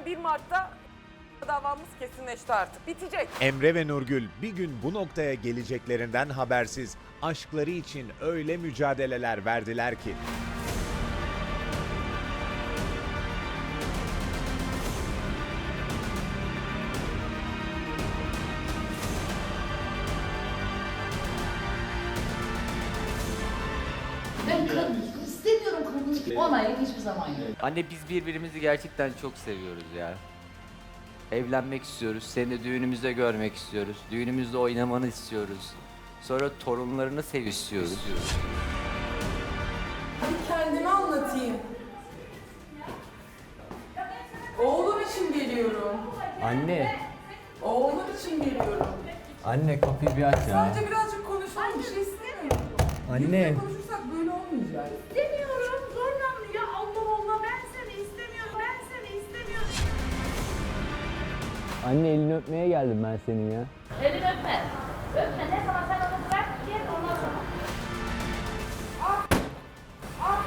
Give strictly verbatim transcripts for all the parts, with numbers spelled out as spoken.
zaten bir Mart'ta davamız kesinleşti artık. Bitecek. Emre ve Nurgül bir gün bu noktaya geleceklerinden habersiz aşkları için öyle mücadeleler verdiler ki. Ben kadın istemiyorum kadın. Onaylık hiçbir zaman yok. Anne biz birbirimizi gerçekten çok seviyoruz ya. Evlenmek istiyoruz, seni düğünümüzde görmek istiyoruz, düğünümüzde oynamanı istiyoruz. Sonra torunlarını sev istiyoruz. Bir kendimi anlatayım. Oğlum için geliyorum. Anne, Oğlum için geliyorum. anne kapıyı bir aç ya. Sadece birazcık konuşalım. Bir şey istemiyorum. Anne. Birlikte konuşursak böyle olmayacak. İstemiyorum. Zorla mı ya? Allah Allah ben seni istemiyorum. Ben seni istemiyorum. Anne elini öpmeye geldim ben senin ya. Elini öpme. Öpme. Ne zaman sen onu bırak gel ondan sonra. Ah. Ah.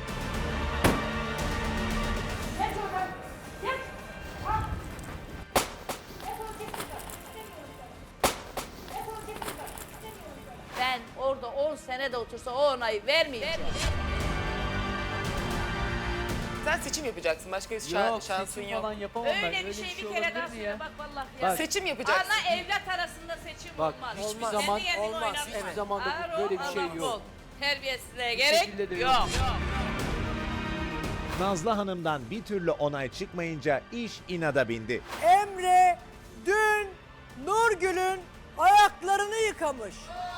Gel oradan. Gel. Ah. Defol git buradan. İstemiyorum seni. Defol git buradan. İstemiyorum seni. Ben orada on sene de otursa o onayı vermeyeceğim. Sen seçim yapacaksın. Başka bir şa- şansın yok. yapamam Öyle bir şey bir kere daha söyle bak vallahi ya. Bak. Seçim yapacaksın. Ana evlat arasında seçim Bak, olmaz. hiçbir Kendi zaman- kendine olmaz, oynama. hiçbir zaman da Ağır böyle ol, bir şey Allah yok. ol. Terbiyesizliğe şekilde gerek de yok. yok. yok. Nazlı Hanım'dan bir türlü onay çıkmayınca iş inada bindi. Emre dün Nurgül'ün ayaklarını yıkamış.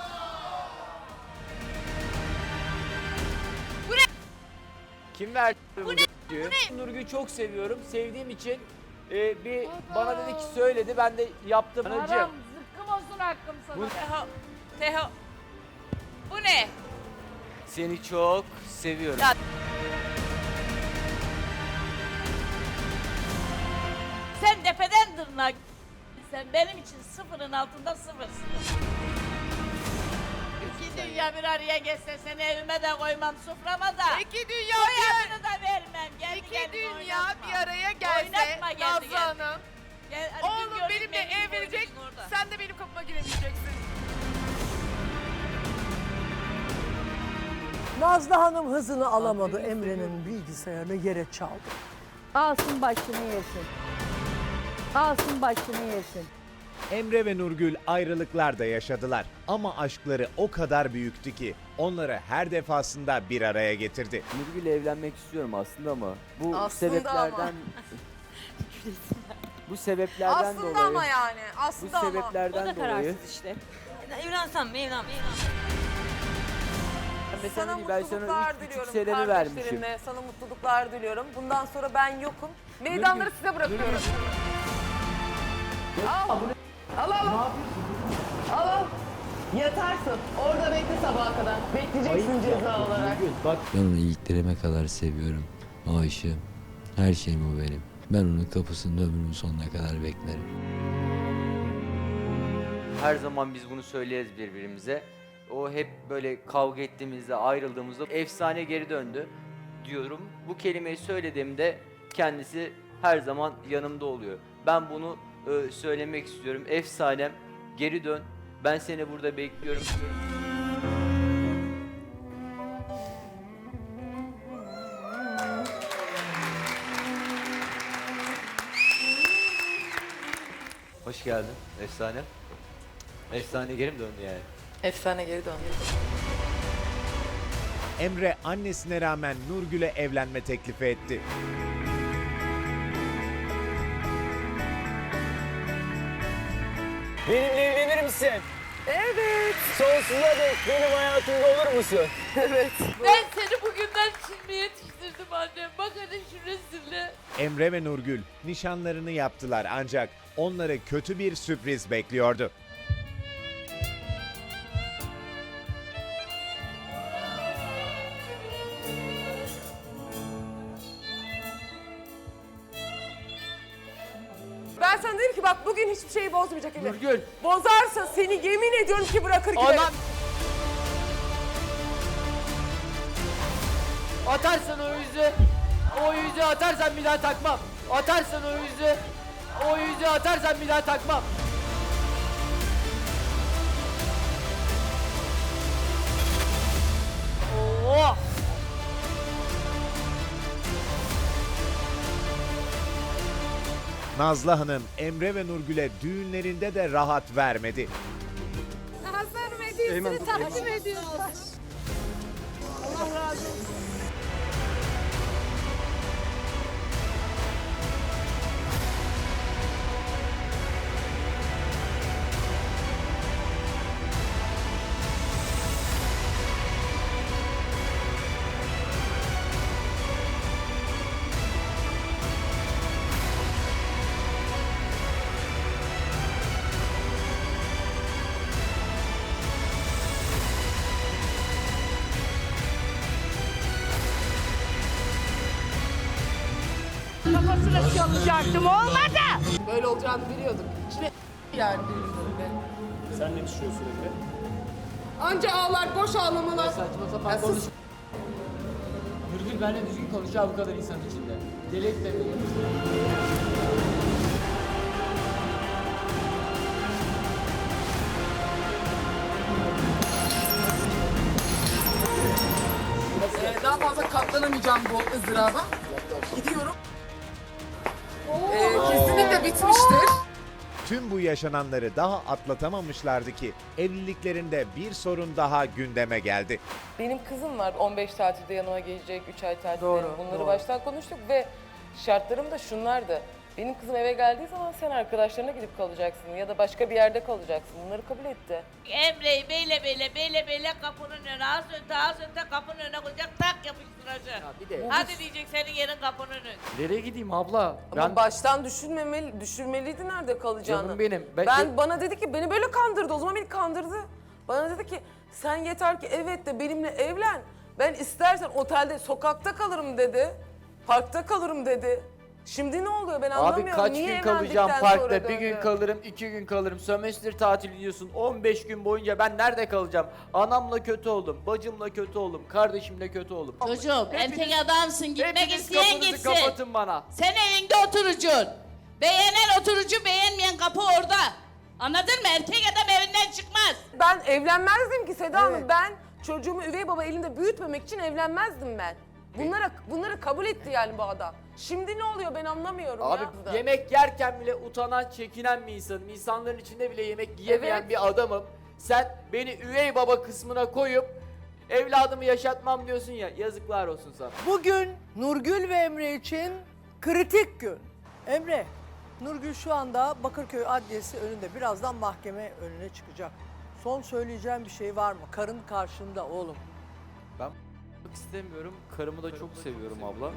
Kim verdi bu Nurgül'ü? Nurgül'ü çok seviyorum. Sevdiğim için e, bir bana dedi ki söyledi ben de yaptım. Haram Anacığım. zıkkım olsun hakkım sana. Bu- Teho. Teho. Bu ne? Seni çok seviyorum. Ya- Sen tepeden tırnağa sen benim için sıfırın altında sıfırsın. İki dünya bir araya geçse seni evime de koymam soframa da. İki dünya Soyadını da vermem. Kendi İki kendine dünya oynatma. bir araya gelse Oynatma kendi Nazlı kendine. Hanım. Gel, hadi bir Oğlum göreyim, benimle benim evlenecek, boynum orada. sen de benim kapıma giremeyeceksin. Nazlı Hanım hızını alamadı. Emre'nin bilgisayarını yere çaldı. Alsın başını yesin. Alsın başını yesin. Emre ve Nurgül ayrılıklar da yaşadılar ama aşkları o kadar büyüktü ki onları her defasında bir araya getirdi. Nurgül'le evlenmek istiyorum aslında ama bu Aslında sebeplerden bu sebeplerden Aslında dolayı ama yani. bu Aslında ama. sebeplerden dolayı işte. Evlensem mi evlenmem mi? ben Sana mesela ben sana mutluluklar üç buçuk diliyorum senemi vermişim. kardeşlerimle. Sana mutluluklar diliyorum. Bundan sonra ben yokum. Meydanları size bırakıyorum. Al. Al al. Al al. Yatarsın. Orada bekle sabaha kadar. Bekleyeceksin ceza olarak. Bak Ben onu iliklerime kadar seviyorum. Aşığım. Her şeyim o benim. Ben onun kapısında ömrümün sonuna kadar beklerim. her zaman biz bunu söyleriz birbirimize. O hep böyle kavga ettiğimizde, ayrıldığımızda efsane geri döndü diyorum. Bu kelimeyi söylediğimde kendisi her zaman yanımda oluyor. Ben bunu e, söylemek istiyorum. Efsanem geri dön. Ben seni burada bekliyorum. Hoş geldin efsane. Efsane geri mi döndü yani? Efsane geri döndü. Emre annesine rağmen Nurgül'e evlenme teklifi etti. Benimle evlenir misin? Evet. Sonsuza dek benim hayatımda olur musun? Evet. Ben seni bugünden şimdi yetiştirdim annem. Bak hadi şu rezille. Emre ve Nurgül nişanlarını yaptılar ancak onları kötü bir sürpriz bekliyordu. Ben sana dedim ki bak bugün hiçbir şeyi bozmayacak Emre. Nurgül. Bozarsa seni yemin ediyorum ki bırakır giderim. Anam. Atarsan o yüzü, o yüzü atarsan bir daha takmam. Atarsan o yüzü, o yüzü atarsan bir daha takmam. Oo! Nazlı Hanım, Emre ve Nurgül'e düğünlerinde de rahat vermedi. Hazır hediyesini takdim ediyoruz. Allah razı olsun. Kafasına çalacaktım, olmadı. Böyle olacağını biliyorduk. İçine yani birbirine. Sen ne düşünüyorsun Emre? Anca ağlar, boş ağlamalar. Saçma sapan konuş. Nurgül benimle düzgün konuş ya bu kadar insan içinde. Deli et de beni. Ee, daha fazla katlanamayacağım bu ızdıraba. Gidiyorum. Ee, kesinlikle bitmiştir. Tüm bu yaşananları daha atlatamamışlardı ki evliliklerinde bir sorun daha gündeme geldi. Benim kızım var on beş tatilde yanıma gelecek, üç ay tatilde. Doğru, Bunları doğru. baştan konuştuk ve şartlarım da şunlardı. Benim kızım eve geldiği zaman sen arkadaşlarına gidip kalacaksın ya da başka bir yerde kalacaksın. Bunları kabul etti. Emre'yi beyle beyle beyle beyle kapının önüne az önte az önte kapının önüne koyacak tak yapıştıracak. Bir de Hadi diyecek senin yerin kapının önü. nereye gideyim abla? Ama baştan düşünmemeli, düşünmeliydi nerede kalacağını. Canım benim. Ben- Ben, bana dedi ki beni böyle kandırdı. O zaman beni kandırdı. Bana dedi ki sen yeter ki evet de benimle evlen. Ben istersen otelde sokakta kalırım dedi. Parkta kalırım dedi. Şimdi ne oluyor ben Abi anlamıyorum. kaç Niye gün kalacağım evlendikten sonra parkta? Bir gün döndü? kalırım, iki gün kalırım. Sömestr tatili diyorsun. on beş gün boyunca ben nerede kalacağım? Anamla kötü oldum, bacımla kötü oldum, kardeşimle kötü oldum. Çocuğum erkek adamsın gitmek Hepiniz isteyen kapınızı gitsin. kapatın bana. Sen evinde oturacaksın. Beğenen oturucu beğenmeyen kapı orada. Anladın mı? Erkek adam evinden çıkmaz. Ben evlenmezdim ki Seda Hanım. Ben çocuğumu üvey baba elinde büyütmemek için evlenmezdim ben. Bunlara bunları kabul etti yani bu adam. Şimdi ne oluyor ben anlamıyorum Abi ya. yemek yerken bile utanan, çekinen bir insanım. İnsanların içinde bile yemek yiyemeyen Evet. bir adamım. Sen beni üvey baba kısmına koyup evladımı yaşatmam diyorsun ya. Yazıklar olsun sana. Bugün Nurgül ve Emre için kritik gün. Emre, Nurgül şu anda Bakırköy Adliyesi önünde. Birazdan mahkeme önüne çıkacak. Son söyleyeceğim bir şey var mı? Karın karşında oğlum. Ben istemiyorum. Karımı da çok seviyorum abla.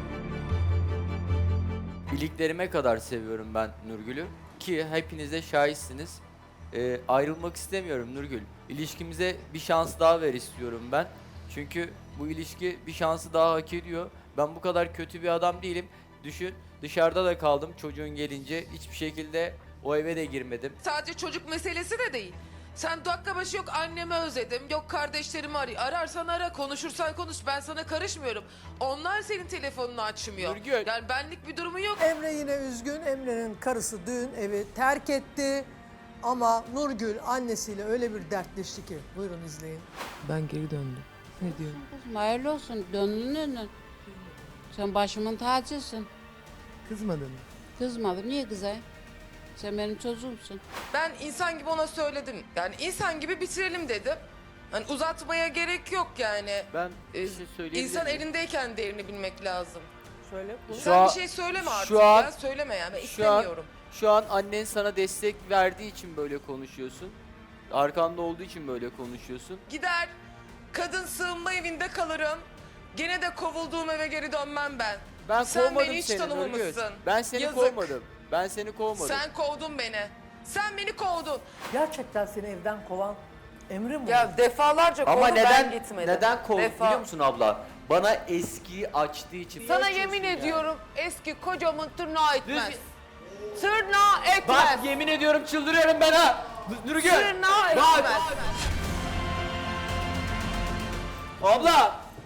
İliklerime kadar seviyorum ben Nurgül'ü. Ki hepiniz de şahitsiniz. Ee, ayrılmak istemiyorum Nurgül. İlişkimize bir şans daha ver istiyorum ben. Çünkü bu ilişki bir şansı daha hak ediyor. Ben bu kadar kötü bir adam değilim. Düşün, dışarıda da kaldım çocuğun gelince. Hiçbir şekilde o eve de girmedim. Sadece çocuk meselesi de değil. Sen dakika başı yok annemi özledim, yok kardeşlerimi arıyor. Ararsan ara, konuşursan konuş. Ben sana karışmıyorum. Onlar senin telefonunu açmıyor. Nurgül. Yani benlik bir durumu yok. Emre yine üzgün. Emre'nin karısı dün evi terk etti. Ama Nurgül annesiyle öyle bir dertleşti ki. Buyurun izleyin. Ben geri döndüm. Ne diyorsun? Hayırlı olsun. Döndün döndün. Sen başımın tacısın. Kızmadın mı? Kızmadım. Niye kızayım? Sen benim çocuğumsun. Ben insan gibi ona söyledim. Yani insan gibi bitirelim dedim. Hani uzatmaya gerek yok yani. Ben Ee, bir şey söyleyebilir İnsan miyim? elindeyken değerini bilmek lazım. Söyle. buyur. Şu Sen an- bir şey söyleme artık şu an- ya. Söyleme yani. Ben şu an- istemiyorum. Şu an annen sana destek verdiği için böyle konuşuyorsun. Arkanda olduğu için böyle konuşuyorsun. Gider, kadın sığınma evinde kalırım. Gene de kovulduğum eve geri dönmem ben. Ben Sen kovmadım beni hiç seni tanımamışsın. Nurgül. Ben seni Yazık. kovmadım. Ben seni kovmadım. Sen kovdun beni. Sen beni kovdun. Gerçekten seni evden kovan Emre mi? Ya defalarca Ama kovdu neden ben gitmedim. neden kovdu Defa. biliyor musun abla? Bana eskiyi açtığı için. Sana Niye yemin açıyorsun ya? ediyorum eski kocamın tırnağı etmez. Düz- Tırnağı etmez. Bak yemin ediyorum çıldırıyorum ben ha. Nurgül. Tırnağı Bak. etmez. Abla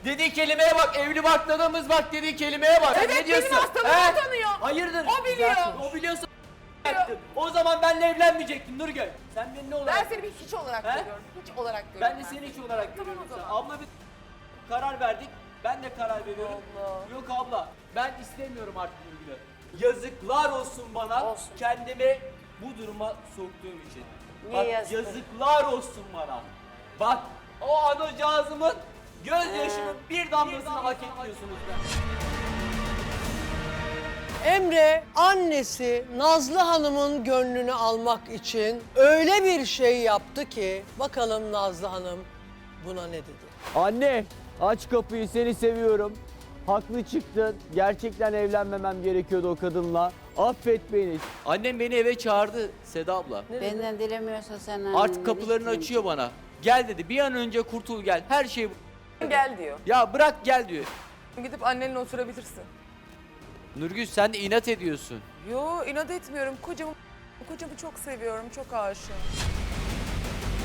Dediği kelimeye bak, evli barkladığımız bak dediği kelimeye bak. Evet, ne diyorsun? benim hastalığımı He? tanıyor. Hayırdır? O biliyor. O biliyorsa yaptın. O zaman benimle evlenmeyecektin Nurgül. Sen beni ne olarak? Ben seni bir hiç olarak He? görüyorum. Hiç olarak görüyorum. Ben de seni hiç olarak Tamam görüyorum. o Sen. zaman. Abla bir karar verdik. Ben de karar veriyorum. Allah. Yok abla, ben istemiyorum artık Nurgül'ü. Yazıklar olsun bana. Olsun. Kendimi bu duruma soktuğum için. Niye Bak, yazık? yazıklar olsun bana. Bak, o anacığızımın gözyaşının bir damlasını hak etmiyorsunuz ben. Emre annesi Nazlı Hanım'ın gönlünü almak için öyle bir şey yaptı ki bakalım Nazlı Hanım buna ne dedi? Anne, aç kapıyı, seni seviyorum. Haklı çıktın. Gerçekten evlenmemem gerekiyordu o kadınla. Affet beni. Annem beni eve çağırdı Seda abla. Benden dilemiyorsa sen annenden Artık kapılarını isteyeyim. açıyor bana. Gel dedi, bir an önce kurtul gel. Her şey bu. Gel diyor. Ya bırak gel diyor. Gidip annenle oturabilirsin. Nurgül sen de inat ediyorsun. Yo inat etmiyorum. Kocamı, kocamı çok seviyorum. Çok aşığım.